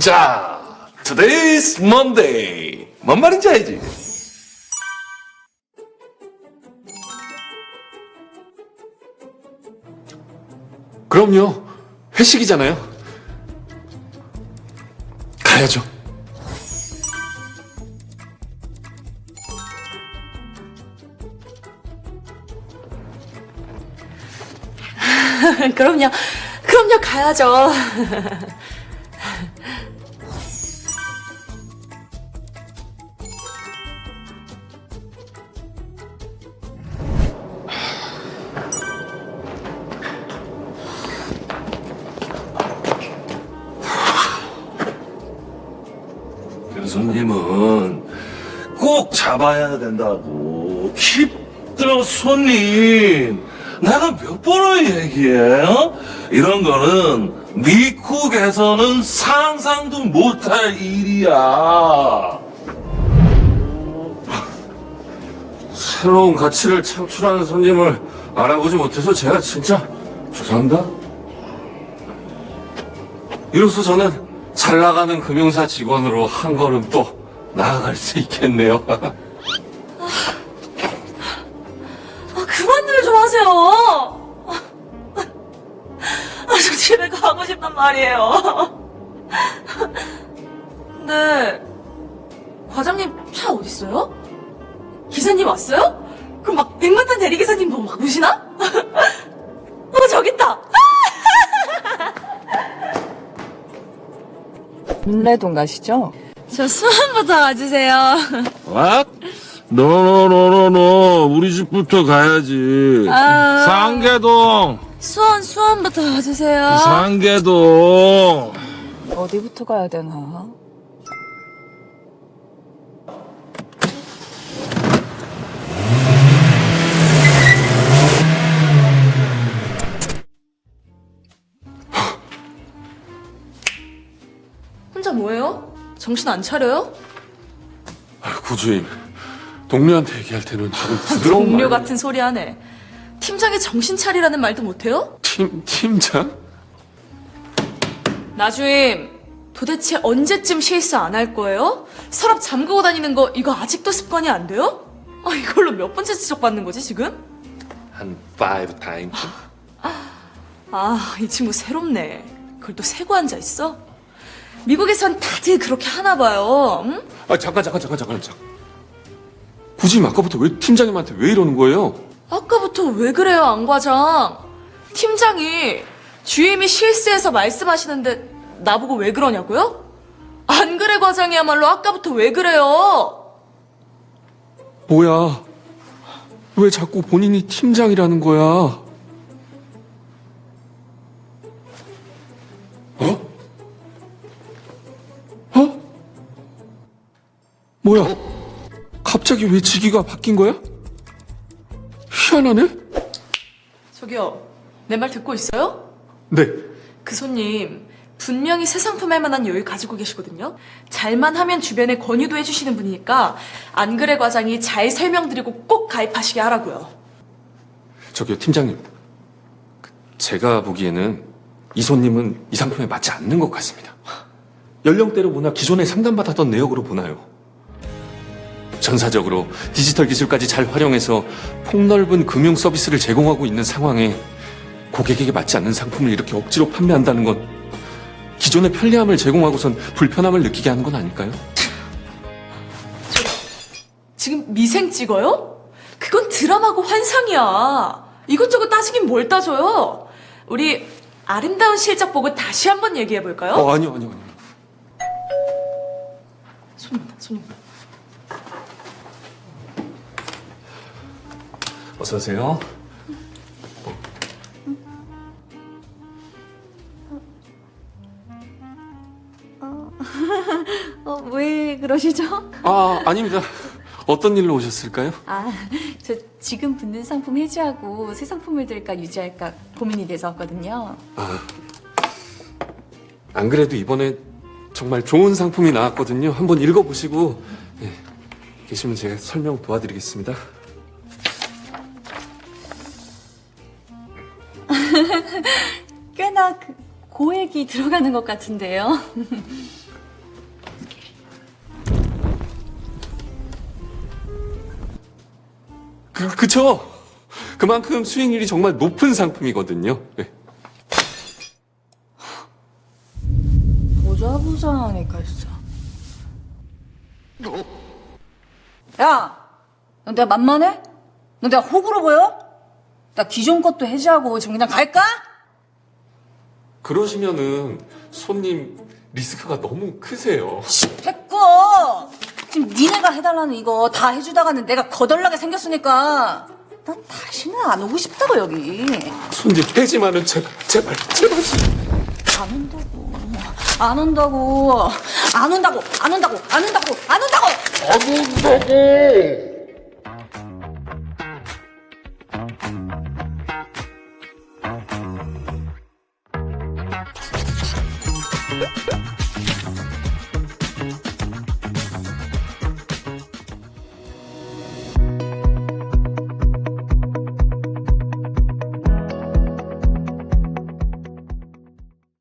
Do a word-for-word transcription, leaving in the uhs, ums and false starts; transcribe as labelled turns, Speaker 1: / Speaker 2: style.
Speaker 1: 자, today's Monday. 뭔 말인지 알지? 그럼요. 회식이잖아요. 가야죠.
Speaker 2: 그럼요. 그럼요, 가야죠.
Speaker 1: 교수님은 꼭 잡아야 된다고. 킵더 손님. 내가 몇 번을 얘기해? 어? 이런 거는 미국에서는 상상도 못할 일이야. 새로운 가치를 창출하는 손님을 알아보지 못해서 제가 진짜 죄송합니다. 이로써 저는 잘 나가는 금융사 직원으로 한 걸음 또 나아갈 수 있겠네요.
Speaker 2: 아, 그만들 좀 하세요. 아, 저 집에 가고 싶단 말이에요. 근데 과장님 차 어딨어요? 기사님 왔어요? 그럼 막 백만탄 대리기사님도 막 오시나? 어, 저기 있다.
Speaker 3: 문래동 가시죠?
Speaker 2: 저 수원부터 와주세요.
Speaker 1: What? 노노노노노 우리 집부터 가야지.
Speaker 2: 아.
Speaker 1: 상계동.
Speaker 2: 수원, 수원부터 와주세요.
Speaker 1: 상계동.
Speaker 3: 어디부터 가야 되나?
Speaker 2: 혼자 뭐해요? 정신 안 차려요?
Speaker 1: 구주임, 동료한테 얘기할 때는 조금 부드러운
Speaker 2: 동료
Speaker 1: 말.
Speaker 2: 같은 소리 하네. 팀장이 정신 차리라는 말도 못해요?
Speaker 1: 팀 팀장?
Speaker 2: 나주임, 도대체 언제쯤 실수 안 할 거예요? 서랍 잠그고 다니는 거 이거 아직도 습관이 안 돼요? 아, 이걸로 몇 번째 지적받는 거지 지금?
Speaker 1: 한 five times.
Speaker 2: 아, 이 친구 새롭네. 그걸 또 세고 앉아 있어? 미국에선 다들 그렇게 하나 봐요. 응?
Speaker 1: 아 잠깐 잠깐 잠깐 잠깐 잠깐. 구주임 아까부터 왜 팀장님한테 왜 이러는 거예요?
Speaker 2: 아까부터 왜 그래요, 안 과장? 팀장이 주임이 실수해서 말씀하시는데 나보고 왜 그러냐고요? 안 그래, 과장이야말로 아까부터 왜 그래요?
Speaker 1: 뭐야? 왜 자꾸 본인이 팀장이라는 거야? 어? 어? 뭐야? 갑자기 왜 직위가 바뀐 거야? 희한하네?
Speaker 2: 저기요, 내 말 듣고 있어요?
Speaker 1: 네.
Speaker 2: 그 손님 분명히 새 상품 할 만한 여유 가지고 계시거든요. 잘만 하면 주변에 권유도 해주시는 분이니까 안 그래 과장이 잘 설명드리고 꼭 가입하시게 하라고요.
Speaker 1: 저기요, 팀장님. 제가 보기에는 이 손님은 이 상품에 맞지 않는 것 같습니다. 연령대로 보나 기존에 상담받았던 내역으로 보나요? 전사적으로 디지털 기술까지 잘 활용해서 폭넓은 금융 서비스를 제공하고 있는 상황에 고객에게 맞지 않는 상품을 이렇게 억지로 판매한다는 건 기존의 편리함을 제공하고선 불편함을 느끼게 하는 건 아닐까요?
Speaker 2: 지금 미생 찍어요? 그건 드라마고 환상이야. 이것저것 따지긴 뭘 따져요. 우리 아름다운 실적 보고 다시 한번 얘기해볼까요?
Speaker 1: 어, 아니요, 아니요, 아니요.
Speaker 2: 손님다, 손님.
Speaker 1: 어서 오세요.
Speaker 4: 어, 왜 그러시죠?
Speaker 1: 아, 아닙니다. 어떤 일로 오셨을까요?
Speaker 4: 아, 저 지금 붙는 상품 해지하고 새 상품을 들까 유지할까 고민이 돼서 왔거든요.
Speaker 1: 아, 안 그래도 이번에 정말 좋은 상품이 나왔거든요. 한번 읽어보시고 예, 계시면 제가 설명 도와드리겠습니다.
Speaker 4: 꽤나 그 고액이 들어가는 것 같은데요.
Speaker 1: 그, 그쵸? 그만큼 수익률이 정말 높은 상품이거든요. 네.
Speaker 3: 보자 보자 하니까 진짜. 야, 너 내가 만만해? 너 내가 호구로 보여? 나 기존 것도 해지하고 지금 그냥 갈까?
Speaker 1: 그러시면은 손님 리스크가 너무 크세요.
Speaker 3: 됐고 지금 니네가 해달라는 이거 다 해주다가는 내가 거덜나게 생겼으니까 난 다시는 안 오고 싶다고 여기.
Speaker 1: 손님 해지만은 제발 제발 제발.
Speaker 3: 안 온다고 안 온다고 안 온다고 안 온다고 안 온다고 안 온다고
Speaker 1: 안 온다고.